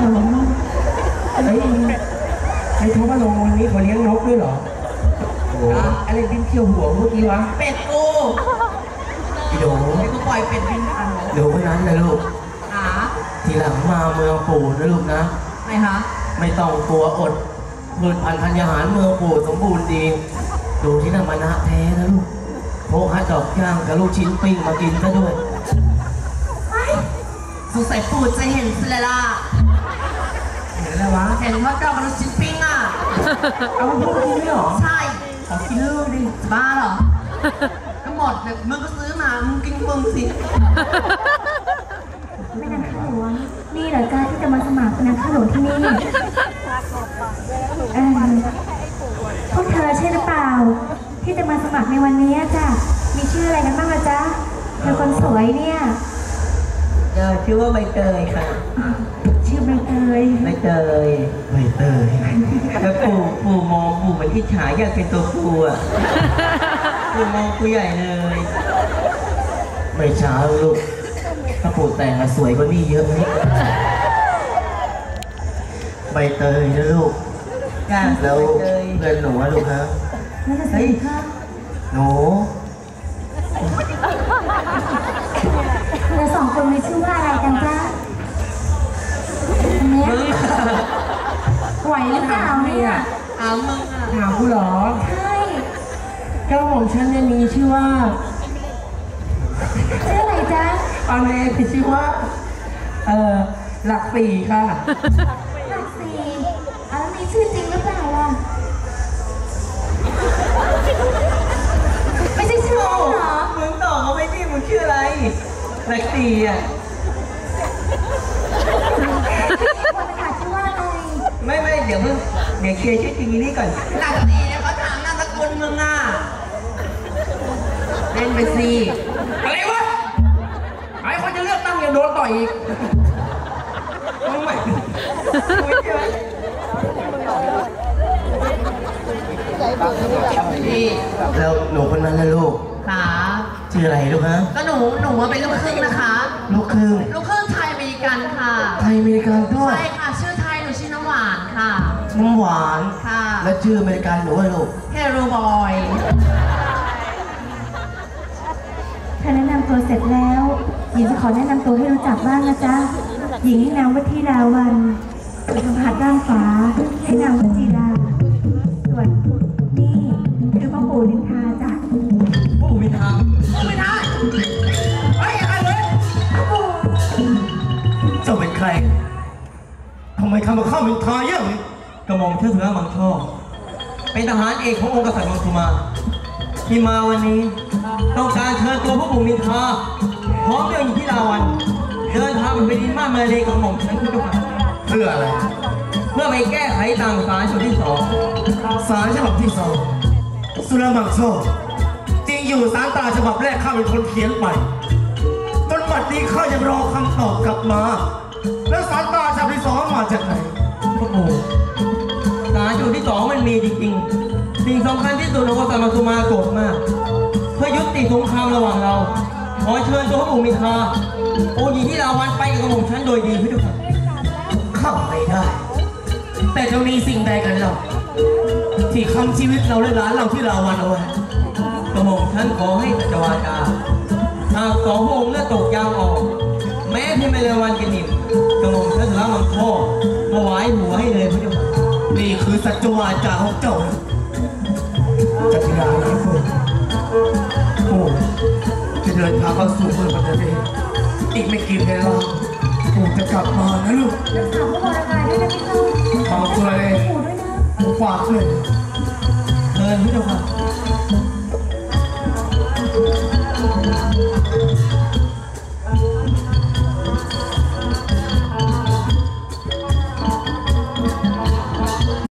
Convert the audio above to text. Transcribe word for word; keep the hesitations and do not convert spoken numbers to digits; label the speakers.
Speaker 1: เฮ้ยไอ้ท้องมาลงวันนี้เขาเลี้ยงนกด้วยเหรอโอ้อะไรบินเที่ยวหัวเมื่อกี้วะ
Speaker 2: เป็ดกู
Speaker 1: อีโด
Speaker 2: ไอ้กูปล่อยเป็ดบินผ่าน
Speaker 1: เดี๋ยววันนั้นนะลูก
Speaker 2: หา
Speaker 1: ทีหลังมาเมืองปู่นะลูกนะ
Speaker 2: ไม่ฮะ
Speaker 1: ไม่ต้องกลัวอดพืชพันธุ์ธัญญาหารเมืองปู่สมบูรณ์ดีดูที่นั่นมานะแท้นะลูกโพฮัดดอกย่างกับลูกชิ้นปิ้งมากินซะด้วย
Speaker 2: สงสัยปู่จะเห็นสิละล่ะ
Speaker 1: เห็นอะไรวะ
Speaker 2: เห็นว่าเจ้ากับลูกชิ้นปิ้งอ่ะ
Speaker 1: เอามาพูดกินไม่หรอ
Speaker 2: ใช่ขอกินเรื่องดิบ้าเหรอก็หมดแบบมึงก็ซื้อมามึงกินมึงสิ
Speaker 3: ไม่นางข้าหลวงนี่เหรอจ้าที่จะมาสมัครนางข้าหลวงที่นี่เออพวกเธอใช่หรือเปล่าที่จะมาสมัครในวันนี้จ้ะมีชื่ออะไรกันบ้างล่ะจ๊ะเธอคนสวยเนี่ย
Speaker 2: เออชื่อว่าใบเตยค่ะ
Speaker 3: ชื่อใบเตย
Speaker 2: ใบเตย
Speaker 1: ใบเตย
Speaker 2: แล้วปู่ปู่มองปู่เหมือนที่ฉายอยากเป็นตัวปู่อ่ะปู่มองปู่ใหญ่เลย
Speaker 1: ไม่ช้าลูกถ้าปู่แต่งสวยกว่านี้เยอะไหมใบเตยนะลูกแล้วเงินหนูอะลูกฮะ
Speaker 3: เฮ้ย
Speaker 1: หนู
Speaker 3: เราสองคนมีชื่อว่าอะไรกันจ๊ะเนี่ยไหวหรือเปล่าเนี่ย
Speaker 2: ถามมึงอ่ะ
Speaker 1: ถามกูเหรอ
Speaker 3: ใช่
Speaker 1: เจ้าของฉันเนี่ยมีชื่อว่า
Speaker 3: ชื่ออะไรจ๊ะ
Speaker 1: อันนี้คือชื่อว่าเอ่อหลักสี่ค่ะ
Speaker 3: หลักสี่แล้วมีชื่อจริงหรือเปล่าล่ะไม่ใช่ชื่อเหรอ
Speaker 2: มึงตอบเขาไม่ดีมึงชื่ออะไรหลักสี่อ่ะ
Speaker 3: คนขาดชื่อว่าอะไร
Speaker 2: ไม่ไม่เดี๋ยวมึงเดี๋ยวเคลียร์ชื่อจริงนี่ก่อนหลักสี่เนี่ยเขาถามนามสกุลมึงอ่ะเล่นไปสิ
Speaker 1: อะไรวะไอ้คนจะเลือกตั้งยังโดนต่อยอีกมึงไม่ไม่ใช่แล้วหนูคนนั้นนะลูก
Speaker 2: ค่ะ
Speaker 1: ชื่ออะไรลูกฮะ
Speaker 2: ก็หนูหนูเป็นลูกครึ่งนะคะ
Speaker 1: ลูกครึ่ง
Speaker 2: ลูกครึ่งไทยอเมริกันค่ะ
Speaker 1: ไทยอเมริกันด้วย
Speaker 2: ใช่ค่ะชื่อไทยหนูชื่อน้ำหวานค่ะ
Speaker 1: น้ำหวาน
Speaker 2: ค่ะ
Speaker 1: แล้วชื่ออเมริกันหนูอะไรลูก
Speaker 2: เฮโรบอย
Speaker 3: เธอแนะนำตัวเสร็จแล้วหญิงจะขอแนะนำตัวให้รู้จักบ้างนะจ๊ะหญิงให้นามว่าธิดาวันส่วนคำหัดด้านขวาให้นามว่าจีดาส่วนนี่คือพ่อปู่นินทาจ้ะ
Speaker 1: ปู่นินทาปู่นินทาไอ้อะไรเลยเจ้าเป็นใครทำไมทำมาข้ามินทาเยอะเลยกระหม่อมเชื่อถือมังช่อเป็นทหารเอกขององค์กษัตริย์มังคุมาที่มาวันนี้ต้องการเชิญตัวพระปู่มินทาพร้อมด้วยหญิงธิดาวันเดินทางไปดินมาเมเลกับหม่อมฉันทุกคนเพื่ออะไรเพื่อไปแก้ไขต่างสารฉบับที่สองสารฉบับที่สองสุรมังโชจริงอยู่สารตาฉบับแรกข้าเป็นคนเขียนไปจนบัดนี้ข้ายังรอคำตอบกลับมาแล้วสารตาฉบับที่สองมาจากไหนพระปู่สารฉบับที่สองมันมีจริงๆสิ่งสำคัญที่สุดของกษัตริย์มังคุมาโกรธมากเพื่อยุติสงครามระหว่างเราขอเชิญตัวพระปู่มินทาองค์หญิงที่ลาวันไปกับกระหม่อมฉันโดยดีพี่ทุกท่านเข้าไม่ได้แต่จะมีสิ่งใดกันเราที่คำชีวิตเราและหลานเราที่ลาวันเอาไว้กระหม่อมฉันขอให้จัจวาจาหากสองพระองค์เลือดตกยางออกแม้ที่ไม่เลวันกินนิ่มกระหม่อมฉันจะรับมังพ่อถวายหัวให้เลยพี่ทุกท่านนี่คือสัจวาจาของเจ้าจักรยานนะคุณโอ้จะเดินทางเข้าสู่เมืองปัตตานีอีกไม่กี่เวลาปู่จะกลับมานะลูก
Speaker 3: รักษาพระวรกายด้วยนะพี่น้อง
Speaker 1: ขอบคุณเลย
Speaker 3: ปู่ด้วยนะ
Speaker 1: ผมฝากเลยเดินพี่เจ้าค่ะ